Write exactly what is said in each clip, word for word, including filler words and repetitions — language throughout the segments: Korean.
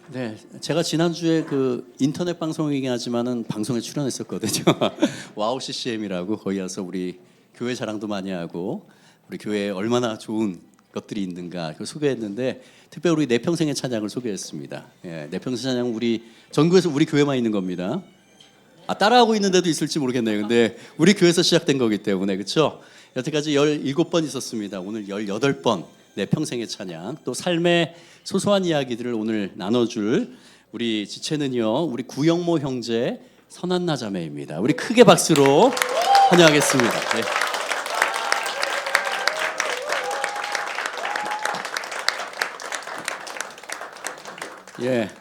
네, 제가 지난주에 그 인터넷 방송이긴 하지만은 방송에 출연했었거든요. 와우 씨씨엠이라고 거기 와서 우리 교회 자랑도 많이 하고 우리 교회에 얼마나 좋은 것들이 있는가 그 소개했는데 특별히 우리 내 평생의 찬양을 소개했습니다. 예, 내 평생 찬양 우리 전국에서 우리 교회만 있는 겁니다. 아, 따라하고 있는 데도 있을지 모르겠네요. 근데 우리 교회에서 시작된 거기 때문에 그렇죠? 여태까지 열일곱 번 있었습니다. 오늘 열여덟 번 내 평생의 찬양 또 삶의 소소한 이야기들을 오늘 나눠줄 우리 지체는요 우리 구영모 형제 선한나 자매입니다. 우리 크게 박수로 환영하겠습니다. 네. 예.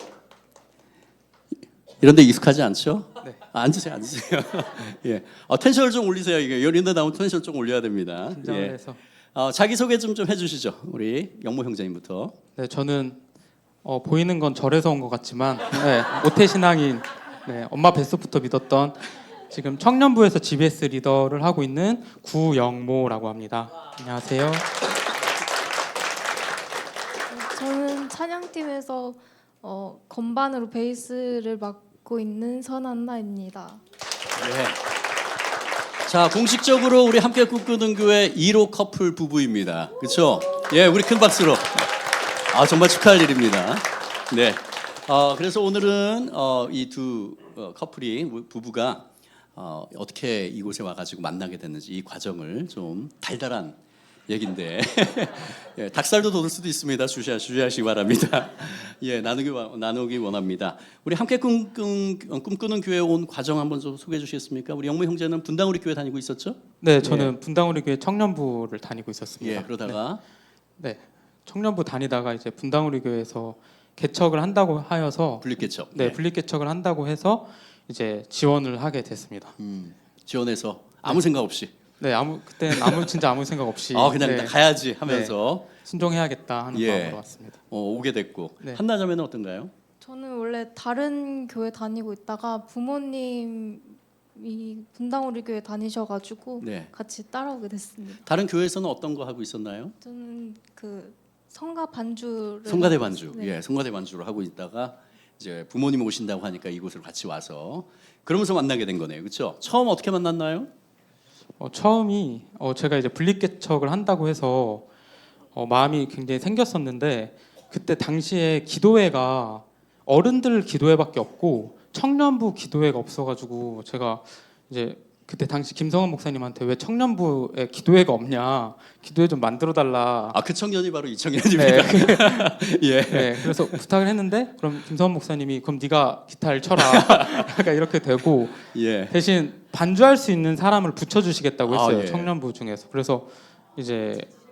이런데 익숙하지 않죠? 네. 아, 앉으세요, 앉으세요. 예. 어, 텐션을 좀 올리세요. 이게 이런데 나오면 텐션 좀 올려야 됩니다. 긴장을 예. 해서. 어, 자기 소개 좀 좀 해주시죠. 우리 영모 형제님부터. 네, 저는 어, 보이는 건 절에서 온 것 같지만 네, 모태신앙인 네, 엄마 뱃속부터 믿었던 지금 청년부에서 지비에스 리더를 하고 있는 구영모라고 합니다. 안녕하세요. 저는 찬양팀에서 어, 건반으로 베이스를 맡고 있는 선한나입니다. 네. 자, 공식적으로 우리 함께 꿈꾸는 교회 일 호 커플 부부입니다. 그렇죠? 예, 우리 큰 박수로. 아, 정말 축하할 일입니다. 네. 어, 그래서 오늘은 어, 이 두 어, 커플이 부부가 어, 어떻게 이곳에 와가지고 만나게 됐는지 이 과정을 좀 달달한 얘긴데 예, 닭살도 돋을 수도 있습니다. 주시하, 주시하시기 바랍니다. 예, 나누기 나누기 원합니다. 우리 함께 꿈꾼, 꿈꾸는 교회 온 과정 한번 좀 소개해 주시겠습니까? 우리 영모 형제는 분당우리 교회 다니고 있었죠? 네, 저는 예. 분당우리 교회 청년부를 다니고 있었습니다. 예, 그러다가 네, 네, 청년부 다니다가 이제 분당우리 교회에서 개척을 한다고 하여서 분립 개척. 네, 네. 분립 개척을 한다고 해서 이제 지원을 하게 됐습니다. 음, 지원해서 아무 생각 없이. 네, 아무 그때는 아무 진짜 아무 생각 없이 아, 그냥 네, 가야지 하면서 순종해야겠다 하는 예. 마음으로 왔습니다. 어, 오게 됐고. 네. 한나자매는 어떤가요? 저는 원래 다른 교회 다니고 있다가 부모님이 분당우리 교회 다니셔가지고 네. 같이 따라오게 됐습니다. 다른 교회에서는 어떤 거 하고 있었나요? 저는 그 성가 반주를 성가대 하고 반주. 있- 네. 예, 성가대 반주를 하고 있다가 이제 부모님 오신다고 하니까 이곳을 같이 와서 그러면서 만나게 된 거네요. 그렇죠? 처음 어떻게 만났나요? 어, 처음이 어, 제가 이제 분립 개척을 한다고 해서 어, 마음이 굉장히 생겼었는데 그때 당시에 기도회가 어른들 기도회밖에 없고 청년부 기도회가 없어가지고 제가 이제 그때 당시 김성원 목사님한테 왜 청년부에 기도회가 없냐 기도회 좀 만들어 달라. 아, 그 청년이 바로 이 청년입니다. 네. 예. 네, 그래서 부탁을 했는데 그럼 김성원 목사님이 그럼 네가 기타를 쳐라. 약간 이렇게 되고 예. 대신 반주할 수 있는 사람을 붙여주시겠다고 했어요. 아, 예. 청년부 중에서. 그래서 이제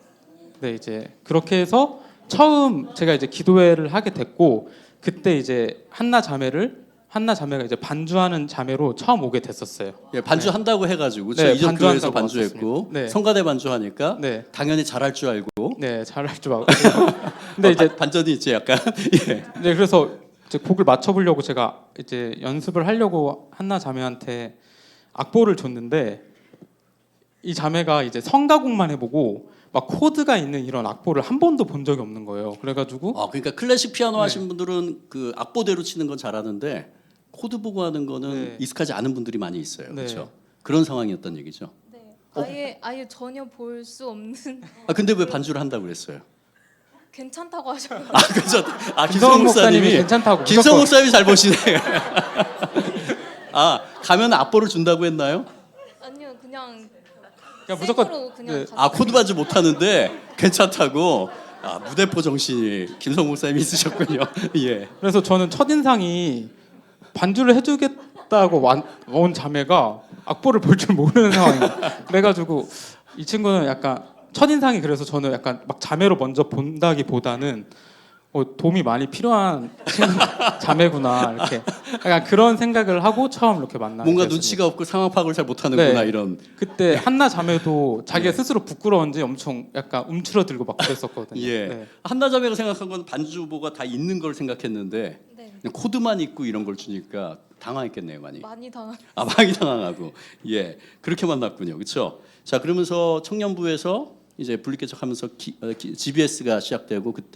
네 이제 그렇게 해서 처음 제가 이제 기도회를 하게 됐고 그때 이제 한나 자매를 한나 자매가 이제 반주하는 자매로 처음 오게 됐었어요. 예, 반주 한다고 해가지고 네, 이전 교회에서 반주한다고 반주했고 왔었습니다. 네. 성가대 반주하니까 네, 당연히 잘할 줄 알고. 네 잘할 줄 알고. 근데 어, 이제 반- 반전이 있지 약간. 예. 네 그래서 이제 곡을 맞춰보려고 제가 이제 연습을 하려고 한나 자매한테 악보를 줬는데 이 자매가 이제 성가곡만 해보고 막 코드가 있는 이런 악보를 한 번도 본 적이 없는 거예요. 그래가지고 아, 그러니까 클래식 피아노 네. 하신 분들은 그 악보대로 치는 건 잘하는데 코드 보고 하는 거는 네. 익숙하지 않은 분들이 많이 있어요. 네. 그렇죠? 그런 상황이었던 얘기죠. 네. 어? 아예 아예 전혀 볼 수 없는 아, 근데 왜 반주를 한다고 그랬어요? 괜찮다고 하셔서 아, 그죠. 아, 김성원 김성원 목사님이 목사님이 괜찮다고 김성원 무조건. 목사님이 잘 보시네. 아, 가면 악보를 준다고 했나요? 아니요 그냥 그냥 무조건 생으로 그냥 네. 갔어요. 아, 코드 반주 못 하는데 괜찮다고. 아, 무대포 정신이 김성원 목사님이 있으셨군요. 예. 그래서 저는 첫 인상이 반주를 해주겠다고 완- 온 자매가 악보를 볼 줄 모르는 상황이에요. 그래가지고 이 친구는 약간 첫 인상이 그래서 저는 약간 막 자매로 먼저 본다기보다는 어, 도움이 많이 필요한 친구, 자매구나 이렇게 약간 그런 생각을 하고 처음 이렇게 만나게 뭔가 됐습니다. 눈치가 없고 상황 파악을 잘 못하는구나 네. 이런. 그때 한나 자매도 자기가 네. 스스로 부끄러운지 엄청 약간 움츠러들고 막 그랬었거든요. 예. 네. 한나자매가 생각한 건 반주보가 다 있는 걸 생각했는데 네. 그냥 코드만 있고 이런 걸 주니까 당황했겠네요, 많이. 많이 당한. 아, 많이 당황하고. 예. 그렇게 만났군요. 그렇죠? 자, 그러면서 청년부에서 이제 분립개척하면서 기, 어, 기, 지비에스가 시작되고 그때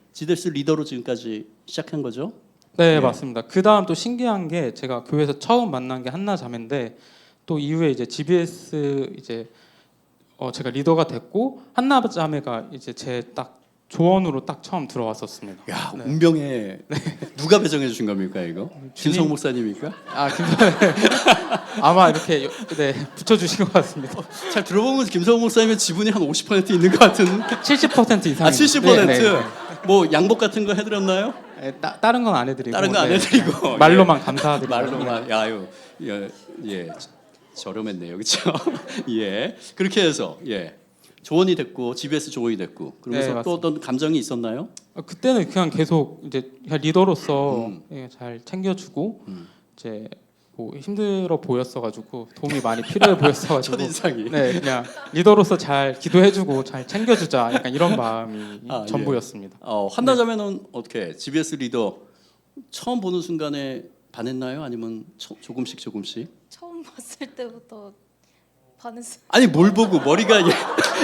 지데스 리더로 지금까지 시작한 거죠? 네, 예. 맞습니다. 그 다음 또 신기한 게 제가 교회에서 처음 만난 게 한나 자매인데 또 이후에 이제 지비에스 이제 어 제가 리더가 됐고 한나 자매가 이제 제 딱 조언으로 딱 처음 들어왔었습니다. 야, 네. 운명에 누가 배정해 주신 겁니까 이거? 김성 목사님입니까? 아, 김 아마 이렇게 여- 네 붙여주신 것 같습니다. 잘 들어보면 김성 목사님의 지분이 한 오십 퍼센트 있는 것 같은. 칠십 퍼센트 이상. 아, 칠십 퍼센트. 뭐 양복 같은 거 해드렸나요? 네, 따, 다른 건 안 해드리고. 다른 거 안 네, 해드리고. 그냥 말로만 감사드리고. 말로만. 야유, 예, 예, 저렴했네요, 그렇죠? 예, 그렇게 해서 예, 조언이 됐고 지비에스 조언이 됐고 그러면서 네, 또 어떤 감정이 있었나요? 어, 그때는 그냥 계속 이제 그냥 리더로서 음. 예, 잘 챙겨주고 음. 이제 뭐 힘들어 보였어가지고 도움이 많이 필요해 보였어가지고 첫 인상이. 네 그냥 리더로서 잘 기도해주고 잘 챙겨주자 약간 이런 마음이 아, 예. 전부였습니다. 어, 한나자매는 어떻게 지비에스 리더 처음 보는 순간에 반했나요? 아니면 처, 조금씩 조금씩? 처음 봤을 때부터 반했어요. 아니 뭘 보고 머리가 예.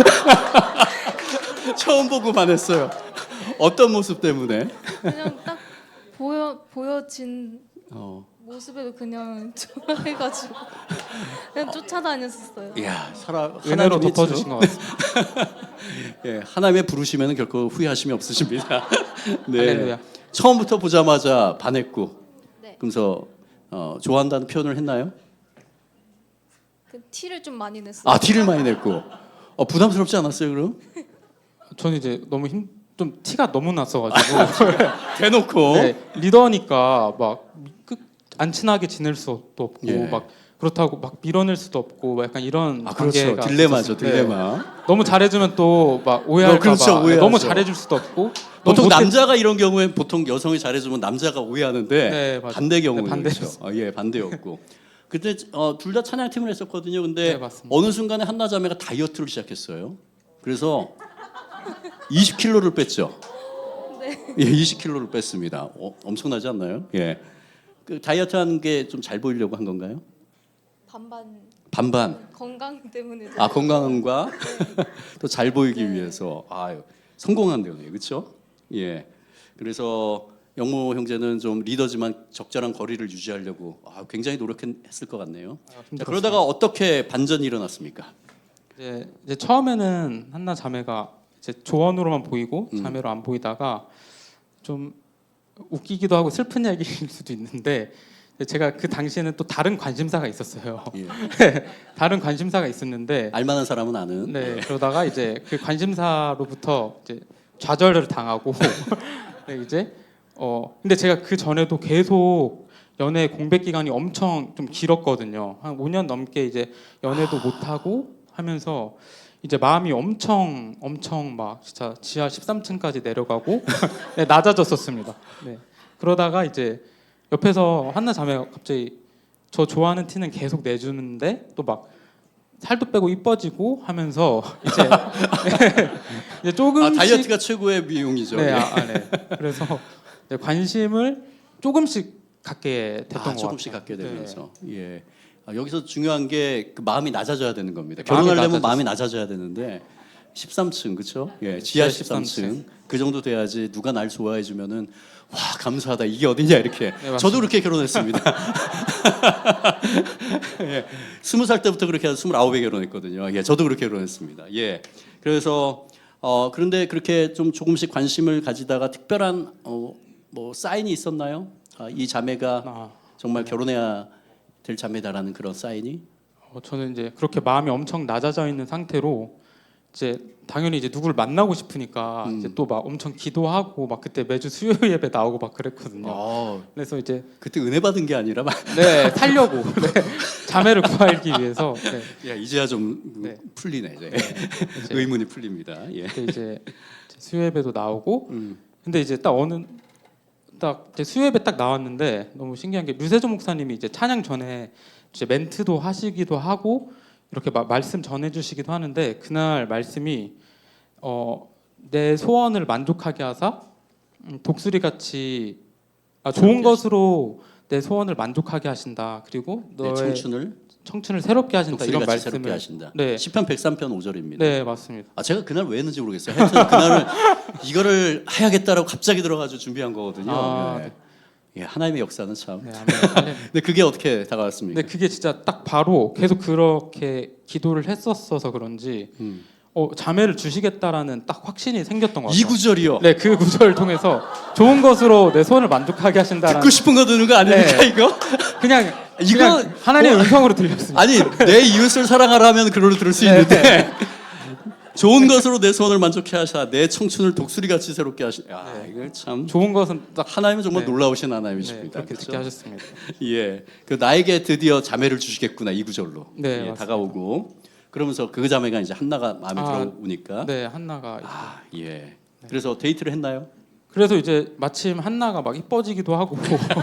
처음 보고 반했어요. 어떤 모습 때문에? 그냥 딱 보여 보여진 어. 모습에도 그냥 좋아해가지고 그냥 쫓아다녔었어요. 이야, 살아 은혜로 하나님이 덮어주신 것 같습니다. 예, 하나님의 부르시면 결코 후회하심이 없으십니다. 네. 할렐루야. 처음부터 보자마자 반했고, 네. 그래서 어, 좋아한다는 표현을 했나요? 그 티를 좀 많이 냈어요. 아, 티를 많이 냈고, 어, 부담스럽지 않았어요, 그럼? 저는 이제 너무 힘 좀 티가 너무 났어가지고 대놓고. 네, 리더니까 막 안 친하게 지낼 수도 없고 예. 막 그렇다고 막 밀어낼 수도 없고 막 약간 이런 아, 그렇죠. 관계가 딜레마죠, 있었어요. 네. 딜레마. 너무 잘해주면 또 막 오해할까 어, 그렇죠, 봐 오해하죠. 너무 잘해줄 수도 없고 보통 너무 못해- 남자가 이런 경우엔 보통 여성이 잘해주면 남자가 오해하는데 네, 맞아요. 반대 경우는 네, 그렇죠. 반대였어요. 어, 예, 반대였고. 그때 어, 둘 다 찬양팀을 했었거든요. 근데 네, 맞습니다. 어느 순간에 한나 자매가 다이어트를 시작했어요. 그래서 이십 킬로그램를 뺐죠. 네. 예, 이십 킬로그램를 뺐습니다. 어, 엄청나지 않나요? 예. 그 다이어트 하는 게 좀 잘 보이려고 한 건가요? 반반 반반. 건강 때문에 아, 건강과 또 잘 보이기 네. 위해서. 위해서 아유, 성공한 거네요. 그렇죠? 예. 그래서 영모 형제는 좀 리더지만 적절한 거리를 유지하려고 아, 굉장히 노력했을 것 같네요. 아, 자, 힘들었어요. 그러다가 어떻게 반전이 일어났습니까? 이제, 이제 처음에는 한나 자매가 이제 조언으로만 보이고 음. 자매로 안 보이다가 좀 웃기기도 하고 슬픈 얘기일 수도 있는데 제가 그 당시에는 또 다른 관심사가 있었어요. 예. 다른 관심사가 있었는데 알만한 사람은 아는. 네 그러다가 이제 그 관심사로부터 이제 좌절을 당하고 네, 이제 어 근데 제가 그 전에도 계속 연애 공백 기간이 엄청 좀 길었거든요. 한 오 년 넘게 이제 연애도 못 하고 하면서 이제 마음이 엄청 엄청 막 진짜 지하 십삼 층까지 내려가고 네, 낮아졌었습니다. 네. 그러다가 이제 옆에서 한나 자매가 갑자기 저 좋아하는 티는 계속 내주는데 또 막 살도 빼고 이뻐지고 하면서 이제 이제 아, 조금씩 다이어트가 최고의 미용이죠. 네, 예. 아, 아, 네. 그래서 네, 관심을 조금씩 갖게 됐던 아, 것 조금씩 같아요. 갖게 네. 되면서 예. 아, 여기서 중요한 게 그 마음이 낮아져야 되는 겁니다. 마음이 결혼하려면 낮아졌어요. 마음이 낮아져야 되는데 십삼 층 그렇죠? 예, 지하 지하 십삼 십삼 층 그 정도 돼야지 누가 날 좋아해 주면은 와 감사하다 이게 어디냐 이렇게. 맞습니다. 저도 그렇게 결혼했습니다. 예, 스무 살 때부터 그렇게 해서 스물아홉에 결혼했거든요. 예, 저도 그렇게 결혼했습니다. 예, 그래서 어 그런데 그렇게 좀 조금씩 관심을 가지다가 특별한 어, 뭐 사인이 있었나요? 아, 이 자매가 아, 정말 결혼해야 될 자매다라는 그런 사인이. 어, 저는 이제 그렇게 마음이 엄청 낮아져 있는 상태로 이제 당연히 이제 누구를 만나고 싶으니까 음. 이제 또 막 엄청 기도하고 막 그때 매주 수요 예배 나오고 막 그랬거든요. 어, 그래서 이제 그때 은혜 받은 게 아니라 막, 네 살려고 네, 자매를 구하기 위해서 네, 야 이제야 좀 네. 풀리네 이제. 네, 이제 의문이 풀립니다. 예. 그때 이제 수요 예배도 나오고 음. 근데 이제 딱 어느 딱 이제 수요 예배 딱 나왔는데 너무 신기한 게 류세조 목사님이 이제 찬양 전에 이제 멘트도 하시기도 하고 이렇게 마, 말씀 전해주시기도 하는데 그날 말씀이 어, 내 소원을 만족하게 하사 음, 독수리 같이 아, 좋은 것으로 내 소원을 만족하게 하신다. 그리고 내 너의 청춘을 청춘을 새롭게 하신다 이런 독수리같이 새롭게 말씀을 하신다. 네. 시편 백삼 편 오 절입니다. 네 맞습니다. 아 제가 그날 왜 했는지 모르겠어요. 하여튼 그날을 이거를 해야겠다라고 갑자기 들어가지고 준비한 거거든요. 아, 예. 예, 하나님의 역사는 참. 네, 아멘. 할렐루야. 근데 그게 어떻게 다가왔습니까? 근데 그게 진짜 딱 바로 계속 그렇게 기도를 했었어서 그런지 음. 어, 자매를 주시겠다라는 딱 확신이 생겼던 것 같아요. 이 구절이요. 네, 그 구절을 통해서 좋은 것으로 내 손을 만족하게 하신다라는 듣고 싶은 거 듣는 거 아닙니까 네. 이거? 그냥 이거- 그냥 하나님의 음성으로 들렸습니다. 아니 내 이웃을 사랑하라 하면 그걸로 들을 수 네. 있는데 좋은 것으로 내 소원을 만족해 하사 내 청춘을 독수리같이 새롭게 하시. 야 이거 참 좋은 것은 딱 하나님은 정말 네. 놀라우신 네, 하나님이십니다. 그렇게 그렇죠? 듣게 하셨습니다. 예, 그 나에게 드디어 자매를 주시겠구나 이 구절로 네, 예, 맞습니다. 다가오고 그러면서 그 자매가 이제 한나가 마음에 아, 들어오니까 네, 한나가 이제 아 예. 그래서 데이트를 했나요? 그래서 이제 마침 한나가 막 이뻐지기도 하고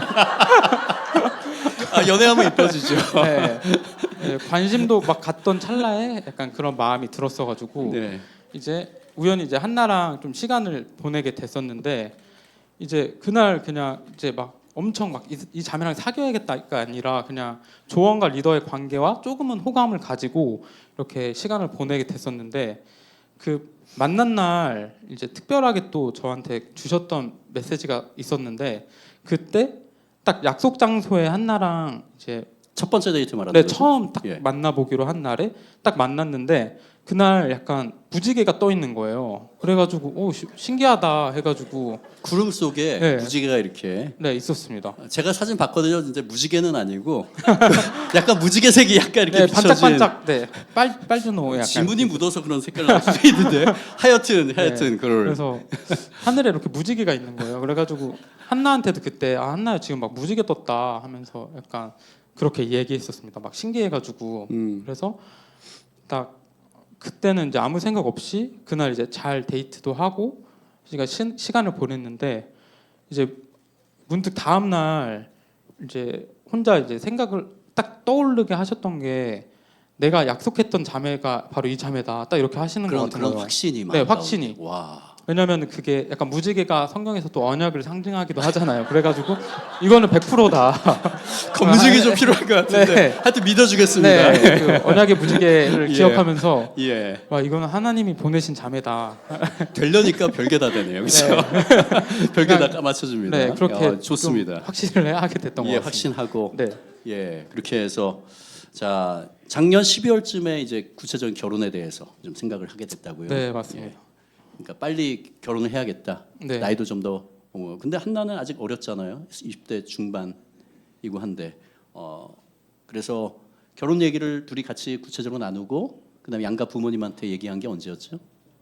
아 연애하면 이뻐지죠. 네, 네, 관심도 막 갔던 찰나에 약간 그런 마음이 들었어가지고 네. 이제 우연히 이제 한나랑 좀 시간을 보내게 됐었는데 이제 그날 그냥 이제 막 엄청 막 이 자매랑 사귀어야겠다가 아니라 그냥 조언과 리더의 관계와 조금은 호감을 가지고 이렇게 시간을 보내게 됐었는데 그 만난 날 이제 특별하게 또 저한테 주셨던 메시지가 있었는데 그때 딱 약속 장소에 한나랑 이제 첫 번째 데이트 말하는 네 거죠? 처음 딱 예. 만나보기로 한 날에 딱 만났는데 그날 약간 무지개가 떠 있는 거예요. 그래가지고 오 시- 신기하다 해가지고 구름 속에 네. 무지개가 이렇게 네 있었습니다. 제가 사진 봤거든요. 이제 무지개는 아니고 약간 무지개색이 약간 이렇게 네 비춰진 반짝반짝 네빨 빨주노 약간 지문이 묻어서 그런 색깔 날 수도 있는데 하여튼 하여튼 그걸 그래서 하늘에 이렇게 무지개가 있는 거예요. 그래가지고 한나한테도 그때 아 한나야 지금 막 무지개 떴다 하면서 약간 그렇게 얘기했었습니다. 막 신기해가지고 음. 그래서 딱 그때는 이제 아무 생각 없이 그날 이제 잘 데이트도 하고 제가 시, 시간을 보냈는데 이제 문득 다음 날 이제 혼자 이제 생각을 딱 떠오르게 하셨던 게 내가 약속했던 자매가 바로 이 자매다 딱 이렇게 하시는 것 그런 같은 그런 거예요. 확신이 막 네, 나오고. 확신이. 와. 왜냐면 그게 약간 무지개가 성경에서 또 언약을 상징하기도 하잖아요. 그래가지고 이거는 백 퍼센트다. 검증이 좀 필요할 것 같은데 네. 하여튼 믿어주겠습니다. 네, 그 언약의 무지개를 예. 기억하면서 예. 와 이거는 하나님이 보내신 자매다. 되려니까 별게 다 되네요. 그렇죠? 별게 다 까맞춰줍니다. 네, 그렇게 야, 좋습니다. 좀 확신을 하게 됐던 예, 것 같습니다. 확신하고 네, 예, 그렇게 해서 자 작년 십이월쯤에 이제 구체적인 결혼에 대해서 좀 생각을 하게 됐다고요. 네 맞습니다. 예. 그러니까 빨리 결혼을 해야겠다. 네. 나이도 좀 더. 어, 근데 한나는 아직 어렸잖아요. 이십 대 중반이고 한데 어, 그래서 결혼 얘기를 둘이 같이 구체적으로 나누고 그다음에 양가 부모님한테 얘기한 게 언제였죠?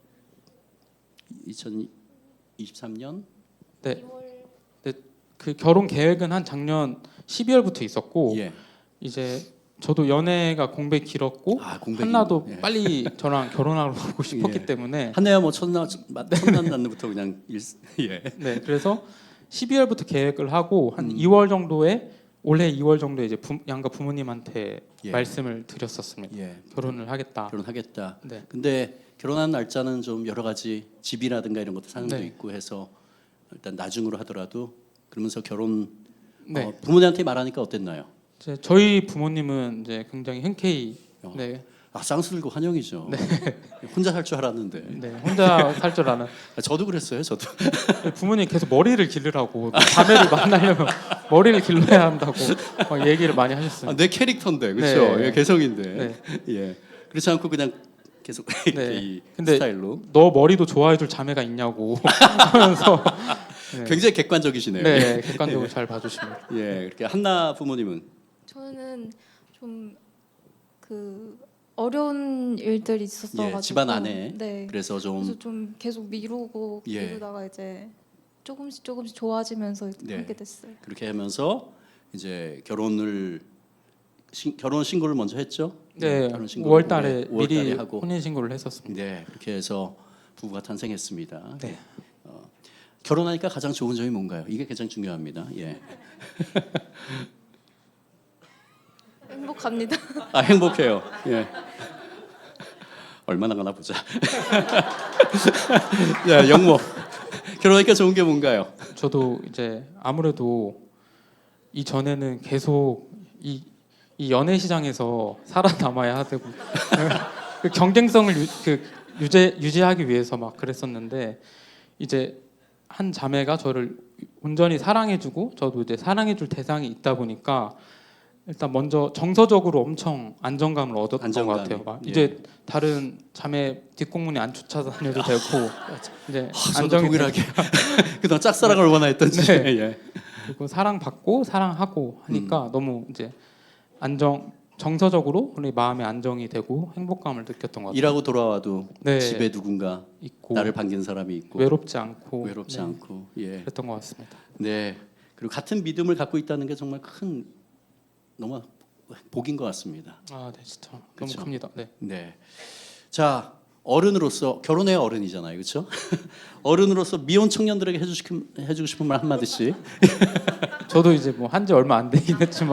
이천이십삼 년? 네, 네, 그 결혼 계획은 한 작년 십이월부터 있었고 예. 이제 저도 연애가 공백이 길었고 아, 공백이. 한나도 예. 빨리 저랑 결혼하고 싶었기 예. 때문에 한나야 뭐 첫날 첫날 날부터 그냥 일, 예. 네 그래서 십이월부터 계획을 하고 한 음. 이월 정도에 올해 이월 정도에 이제 부, 양가 부모님한테 예. 말씀을 드렸었습니다. 예. 결혼을 하겠다. 결혼하겠다. 네. 근데 결혼한 날짜는 좀 여러 가지 집이라든가 이런 것도 상황도 네. 있고 해서 일단 나중으로 하더라도 그러면서 결혼 네. 어, 부모님한테 말하니까 어땠나요? 이제 저희 부모님은 이제 굉장히 흔쾌히 어. 네, 아 쌍수들고 환영이죠. 혼자 살 줄 알았는데. 네 혼자 살 줄 아는 아, 저도 그랬어요. 저도. 부모님 계속 머리를 기르라고 자매를 만나려면 머리를 길러야 한다고 막 얘기를 많이 하셨어요. 아, 내 캐릭터인데 그렇죠. 네. 예, 개성인데. 네. 예. 그렇지 않고 그냥 계속 이렇게 네. 이 근데 스타일로. 너 머리도 좋아해줄 자매가 있냐고 하면서 네, 굉장히 객관적이시네요. 네 객관적으로 잘 봐주십니다. 예. 그렇게 한나 부모님은 저는 좀 그 어려운 일들이 있었어가지고 예, 집안 안에 네. 그래서 좀 그래서 좀 계속 미루고 예. 미루다가 이제 조금씩 조금씩 좋아지면서 네. 하게 됐어요. 그렇게 하면서 이제 결혼을 신, 결혼 신고를 먼저 했죠. 네, 결혼 신고를 오월달에 올해 오월달에 미리 하고 혼인 신고를 했었습니다. 네 그렇게 해서 부부가 탄생했습니다. 네. 어, 결혼하니까 가장 좋은 점이 뭔가요? 이게 가장 중요합니다. 예. 행복합니다. 아 행복해요. 예. 얼마나 가나 보자. 야 영모 결혼하니까 좋은 게 뭔가요? 저도 이제 아무래도 이 전에는 계속 이 이 연애 시장에서 살아남아야 되고 그 경쟁성을 유, 그 유지 유지하기 위해서 막 그랬었는데 이제 한 자매가 저를 온전히 사랑해주고 저도 이제 사랑해줄 대상이 있다 보니까 일단 먼저 정서적으로 엄청 안정감을 얻었던 안정감이, 것 같아요. 막 예. 이제 다른 자매 뒷공문에 안 쫓아다녀도 되고 이제 아, 저도 안정이 동일하게 그동안 짝사랑을 얼마나 했던지. 네. 예. 그리고 사랑받고 사랑하고 하니까 음. 너무 이제 안정 정서적으로 우리 마음의 안정이 되고 행복감을 느꼈던 것 같아요. 일하고 돌아와도 네. 집에 누군가 있고 나를 반긴 사람이 있고 외롭지 않고 외롭지 네, 않고 예. 그랬던 것 같습니다. 네. 그리고 같은 믿음을 갖고 있다는 게 정말 큰 너무 복인 것 같습니다. 아, 네, 진짜 그쵸? 너무 큽니다. 네. 네. 자, 어른으로서 결혼해야 어른이잖아요. 그렇죠? 어른으로서 미혼 청년들에게 해주고 싶은, 해주고 싶은 말 한마디씩. 저도 이제 뭐 한 지 얼마 안 되긴 했지만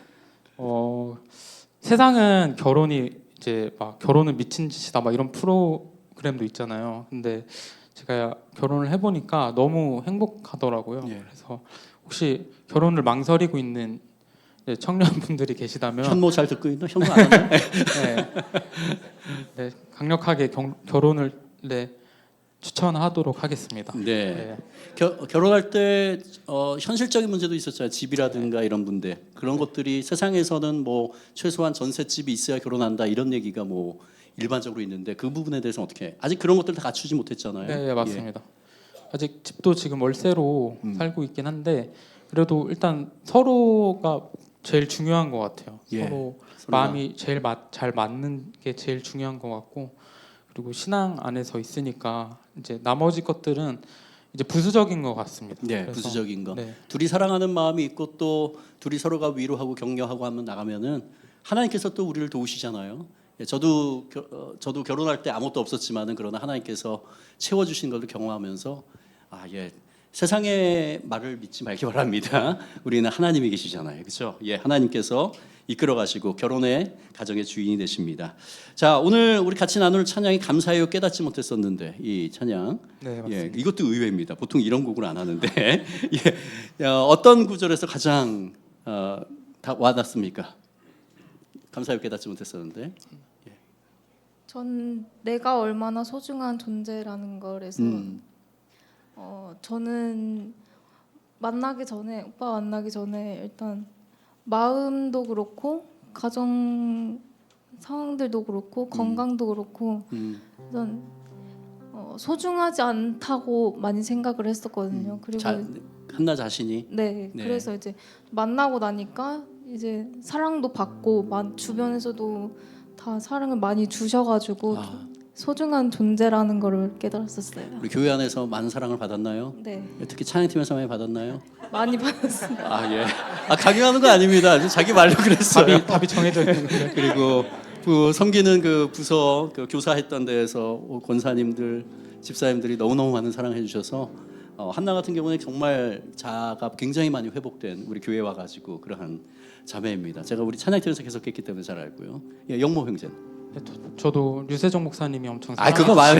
어, 세상은 결혼이 이제 막 결혼은 미친 짓이다 막 이런 프로그램도 있잖아요. 근데 제가 결혼을 해보니까 너무 행복하더라고요. 예. 그래서 혹시 결혼을 망설이고 있는 이제 청년분들이 계시다면 현모 잘 듣고 있나? 현모 안 하나? 네, 네, 강력하게 경, 결혼을 네, 추천하도록 하겠습니다. 네. 네. 겨, 결혼할 때 어, 현실적인 문제도 있었잖아요. 집이라든가 이런 문제. 그런 것들이 세상에서는 뭐 최소한 전셋집이 있어야 결혼한다 이런 얘기가 뭐 일반적으로 있는데 그 부분에 대해서 어떻게? 아직 그런 것들 다 갖추지 못했잖아요. 네, 네, 맞습니다. 아직 집도 지금 월세로 음. 살고 있긴 한데 그래도 일단 서로가 제일 중요한 것 같아요. 예, 서로 서로가. 마음이 제일 맞, 잘 맞는 게 제일 중요한 것 같고 그리고 신앙 안에서 있으니까 이제 나머지 것들은 이제 부수적인 것 같습니다. 네, 그래서, 부수적인 거. 네, 둘이 사랑하는 마음이 있고 또 둘이 서로가 위로하고 격려하고 하면 나가면은 하나님께서 또 우리를 도우시잖아요. 예, 저도 겨, 어, 저도 결혼할 때 아무것도 없었지만은 그러나 하나님께서 채워주신 것을 경험하면서 아 예. 세상의 말을 믿지 말기 바랍니다. 우리는 하나님이 계시잖아요. 그렇죠? 예, 하나님께서 이끌어 가시고 결혼의 가정의 주인이 되십니다. 자, 오늘 우리 같이 나눌 찬양이 감사해요 깨닫지 못했었는데 이 찬양 네, 맞습니다. 예, 이것도 의외입니다. 보통 이런 곡을 안 하는데 예, 어, 어떤 구절에서 가장 어, 다 와닿습니까? 감사해요 깨닫지 못했었는데 전 내가 얼마나 소중한 존재라는 걸에서 음, 어, 저는 만나기 전에 오빠 만나기 전에 일단 마음도 그렇고 가정 상황들도 그렇고 건강도 그렇고 음, 일단 어, 소중하지 않다고 많이 생각을 했었거든요. 그리고 자, 한나 자신이 네, 네. 그래서 이제 만나고 나니까 이제 사랑도 받고 마- 주변에서도 다 사랑을 많이 주셔가지고 아, 소중한 존재라는 걸 깨달았었어요. 우리 교회 안에서 많은 사랑을 받았나요? 네, 특히 찬양팀에서 많이 받았나요? 많이 받았습니다. 아 예. 아 강요하는 거 아닙니다. 자기 말로 그랬어요. 답이 답이 정해져 있는 거예요. 그리고 그 섬기는 그 부서 그 교사했던 데에서 권사님들, 집사님들이 너무 너무 많은 사랑해 주셔서 어, 한나 같은 경우는 정말 자아가 굉장히 많이 회복된 우리 교회 와 가지고 그러한 자매입니다. 제가 우리 찬양팀에서 계속했기 때문에 잘 알고요. 예, 영모 형제. 네, 저, 저도 류세종 목사님이 엄청 아 그거 말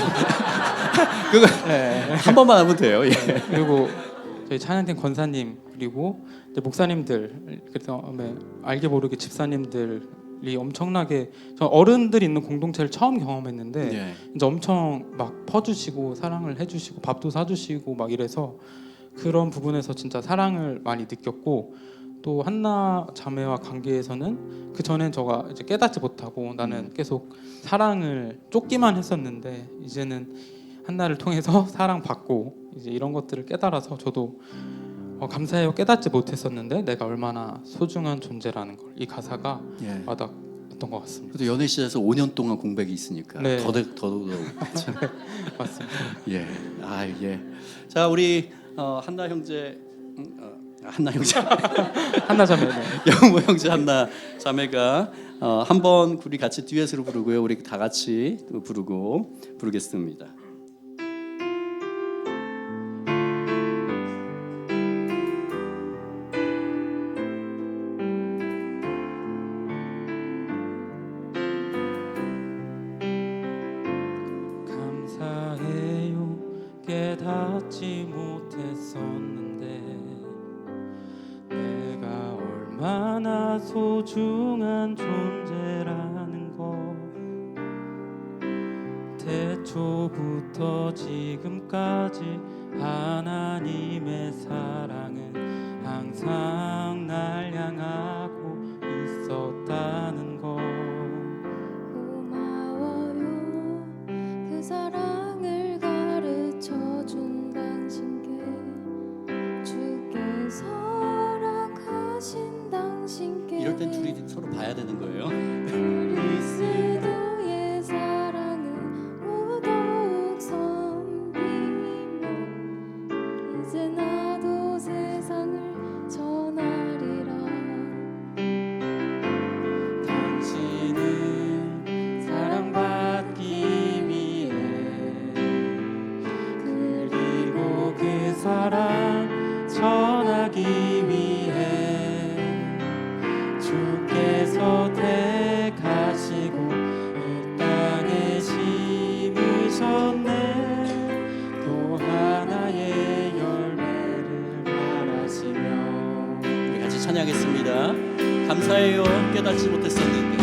그거 네. 한 번만 하면 돼요. 예. 그리고 저희 찬양팀 권사님 그리고 이제 목사님들 그래서 네, 알게 모르게 집사님들이 엄청나게 저 어른들이 있는 공동체를 처음 경험했는데 예. 이제 엄청 막 퍼주시고 사랑을 해주시고 밥도 사주시고 막 이래서 그런 부분에서 진짜 사랑을 많이 느꼈고 또 한나 자매와 관계에서는 그 전엔 저가 이제 깨닫지 못하고 나는 계속 사랑을 쫓기만 했었는데 이제는 한나를 통해서 사랑받고 이제 이런 것들을 깨달아서 저도 어, 감사해요 깨닫지 못했었는데 내가 얼마나 소중한 존재라는 걸 이 가사가 예. 와닿았던 것 같습니다. 그래도 연애 시절에서 오 년 동안 공백이 있으니까 네. 더더욱 더더욱 맞습니다. 예. 아 예. 자 우리 어, 한나 형제 음, 어, 한나 형제 한나 자매 네. 영모 형제 한나 자매가 어, 한번 우리 같이 듀엣으로 부르고요. 우리 다 같이 또 부르고 부르겠습니다. 감사해요 깨닫지 못했었는데 내가 얼마나 소중한 존재라는 것. 태초부터 지금까지 하나님의 사랑은 항상 날 향하고 있었다는 것. 고마워요 그 사랑을 가르쳐준 당신께, 주께서 허락하신 당신께. 이럴 땐 둘이 서로 봐야 되는 거예요. 그리스도의 사랑은 더욱 섬기며 이제 나도 세상을 전하리라. 당신은 사랑받기 위해, 그리고 그 사랑 전하기 위해 주께서 택하시고 이 땅에 심으셨네. 또 하나의 열매를 바라시며. 우리 같이 찬양하겠습니다. 감사해요 깨닫지 못했었는데,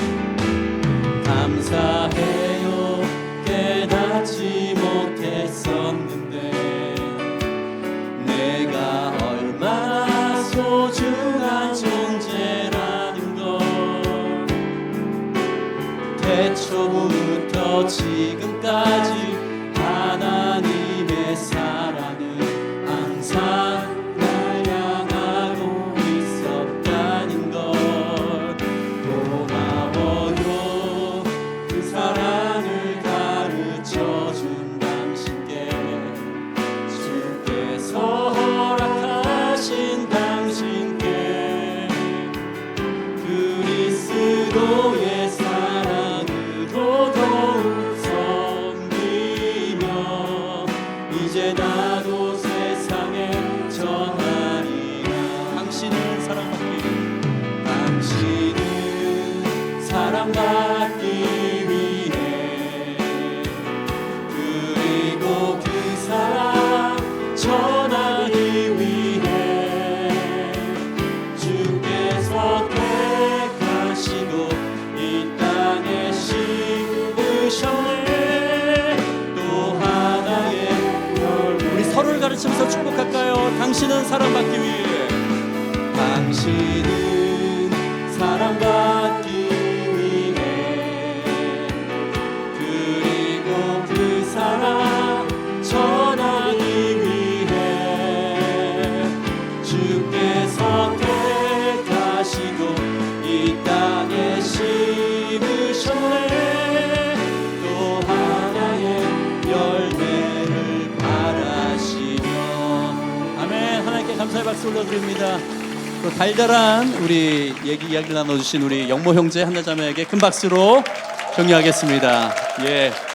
감사해요 깨닫지 못했었는데, 내가 얼마나 소중한 존재라는 걸. 태초부터 지금까지 하나님의 사랑은 항상 날 향하고 있었다는 것. 고마워요 그 사랑을 가르쳐준 당신께, 주께서 허락하신 당신께. 그리스도의 사랑으로 더욱 섬기며 이제 나도 세상에 전하리라. 당신은 사랑받기, 당신은 사랑받기 위해, 그리고 그 사랑 전하기 위해 주께서 택하시고 이 땅에 심으셨네. 또 하나의 열매. 우리 서로를 가르치면서 축복할까요? 당신은 사랑받기 위해, 당신은 사랑받기 위해, 그리고 그 사랑 전하기 위해 주께서 택하시고 이 땅에 심으셨네. 또 하나의 열매를 바라시며. 아멘. 하나님께 감사의 박수 올려드립니다. 또 달달한 우리 얘기 이야기를 나눠주신 우리 영모 형제 한나자매에게 큰 박수로 격려하겠습니다. 예.